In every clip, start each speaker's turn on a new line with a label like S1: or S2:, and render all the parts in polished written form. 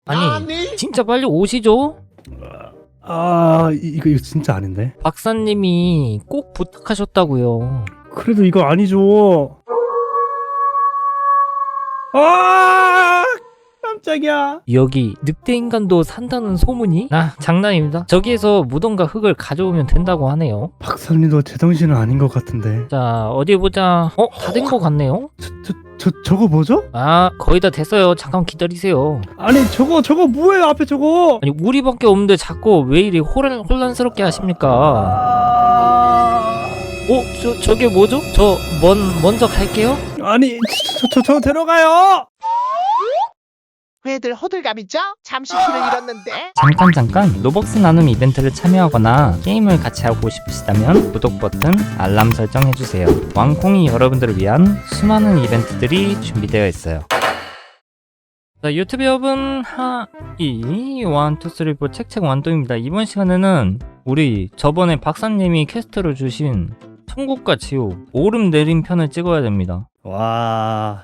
S1: 아니 진짜 빨리 오시죠.
S2: 이거 진짜 아닌데.
S1: 박사님이 꼭 부탁하셨다고요.
S2: 그래도 이거 아니죠. 아, 깜짝이야.
S1: 여기 늑대인간도 산다는 소문이? 장난입니다. 저기에서 무덤과 흙을 가져오면 된다고 하네요.
S2: 박사님도 제정신은 아닌 것 같은데.
S1: 자 어디 보자. 다 된 것 같네요.
S2: 저거 뭐죠?
S1: 거의 다 됐어요. 잠깐 기다리세요.
S2: 아니 저거 뭐예요 앞에 저거?
S1: 아니 우리밖에 없는데 자꾸 왜 이리 혼란스럽게 하십니까? 저게 뭐죠? 저 먼저 갈게요.
S2: 아니 저 데려가요.
S3: 왜들 호들갑이죠? 잠시 길을 잃었는데.
S1: 잠깐 로벅스 나눔 이벤트를 참여하거나 게임을 같이 하고 싶으시다면 구독 버튼, 알람 설정 해주세요. 왕콩이 여러분들을 위한 수많은 이벤트들이 준비되어 있어요. 자, 유튜브 여러분 하이 1, 2, 3, 4 책책 완동입니다. 이번 시간에는 우리 저번에 박사님이 퀘스트로 주신 천국과 지옥 오름 내림 편을 찍어야 됩니다.
S2: 와.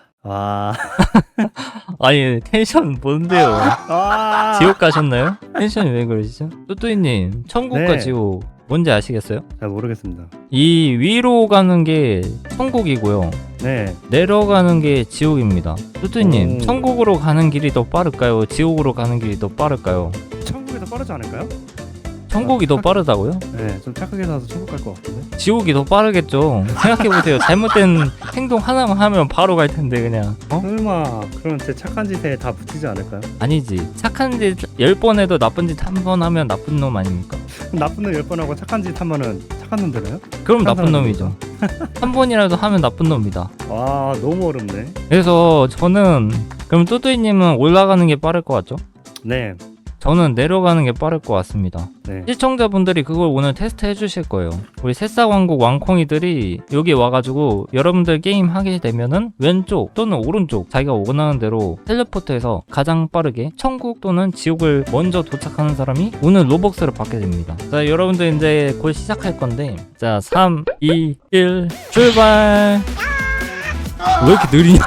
S1: 아니 텐션 뭔데요? 지옥 가셨나요? 텐션이 왜 그러시죠? 뚜뚜이님 천국과
S2: 네.
S1: 지옥 뭔지 아시겠어요?
S2: 잘 모르겠습니다.
S1: 이 위로 가는 게 천국이고요,
S2: 네.
S1: 내려가는 게 지옥입니다. 뚜뚜이님
S2: 오.
S1: 천국으로 가는 길이 더 빠를까요? 지옥으로 가는 길이 더 빠를까요?
S2: 천국이 더 빠르지 않을까요?
S1: 천국이 더 빠르다고요?
S2: 네, 좀 착하게 살아서 천국 갈 것 같은데.
S1: 지옥이 더 빠르겠죠. 생각해보세요. 잘못된 행동 하나만 하면 바로 갈 텐데 그냥
S2: 설마 그럼 제 착한 짓에 다 붙이지 않을까요?
S1: 아니지. 착한 짓 10번 해도 나쁜 짓 한 번 하면 나쁜 놈 아닙니까?
S2: 나쁜 놈 10번 하고 착한 짓 하면은 착한 놈 되나요?
S1: 그럼
S2: 착한
S1: 나쁜
S2: 사람
S1: 놈이죠. 한 번이라도 하면 나쁜 놈이다.
S2: 와, 너무 어렵네.
S1: 그래서 저는 그럼 뚜뚜이님은 올라가는 게 빠를 것 같죠?
S2: 네.
S1: 저는 내려가는 게 빠를 것 같습니다.
S2: 네.
S1: 시청자분들이 그걸 오늘 테스트 해주실 거예요. 우리 새싹왕국 왕콩이들이 여기 와가지고 여러분들 게임 하게 되면은 왼쪽 또는 오른쪽 자기가 원하는 대로 텔레포트해서 가장 빠르게 천국 또는 지옥을 먼저 도착하는 사람이 오늘 로벅스를 받게 됩니다. 자, 여러분들 이제 곧 시작할 건데, 자 3, 2, 1 출발. 왜 이렇게 느리냐?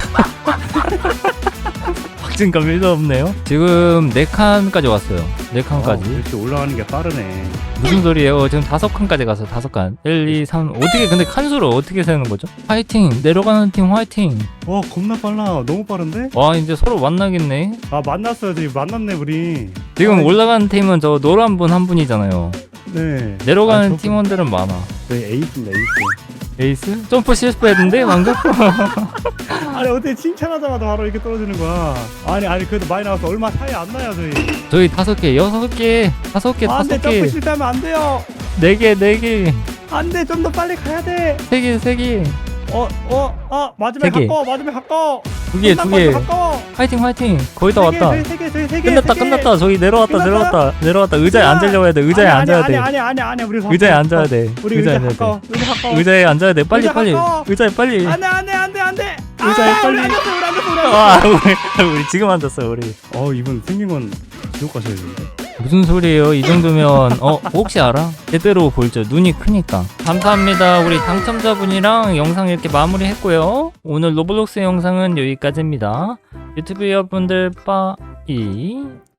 S1: 박진감 1도 없네요. 지금 4칸까지 왔어요. 4칸까지.
S2: 이렇게 올라가는 게 빠르네.
S1: 무슨 소리예요? 지금 5칸까지 갔어요. 5칸. 1, 2, 3. 어떻게 근데 칸수를 어떻게 세는 거죠? 화이팅! 내려가는 팀 화이팅!
S2: 와, 겁나 빨라. 너무 빠른데?
S1: 와, 이제 서로 만나겠네.
S2: 만났어요. 저기 만났네 우리.
S1: 지금 올라가는 팀은 저 노란 분 한 분이잖아요.
S2: 네.
S1: 내려가는 팀원들은 많아.
S2: 저희 에이스입니다. 에이스.
S1: 에이스? 점프 실수했는데 방금?
S2: 아니 어떻게 칭찬하자마자 바로 이렇게 떨어지는 거야. 아니 그래도 많이 나와서 얼마 차이 안 나요 저희.
S1: 저희 5개, 6개, 5개,
S2: 안돼, 점프
S1: 5개,
S2: 실패하면 안 돼요.
S1: 4개, 4개,
S2: 안돼, 좀 더 빨리 가야 돼.
S1: 3개, 3개,
S2: 맞으면
S1: 세 개.
S2: 가까워. 맞으면 가까워.
S1: 2개, 2개.
S2: 가까워.
S1: 화이팅, 화이팅! 거의 다 왔다.
S2: 세 개.
S1: 끝났다. 저기 내려왔다.
S2: 끝났어요?
S1: 의자에 앉으려고 해야 돼. 의자에 앉아야 돼.
S2: 아니 우리
S1: 의자에 앉아야 돼.
S2: 우리
S1: 의자에
S2: 의자
S1: 앉아야
S2: 가까워.
S1: 돼.
S2: 의자 가까워.
S1: 의자에 앉아야 돼. 빨리.
S2: 가까워.
S1: 의자에 빨리.
S2: 안돼.
S1: 의자에 빨리.
S2: 우리 앉았어.
S1: 아, 우리 지금 앉았어, 우리.
S2: 이분 생긴 건 지옥 가셔야 되는데.
S1: 무슨 소리예요? 이 정도면 혹시 알아? 제대로 볼죠. 눈이 크니까. 감사합니다. 우리 당첨자분이랑 영상 이렇게 마무리했고요. 오늘 로블록스 영상은 여기까지입니다. 유튜브 여러분들 빠이.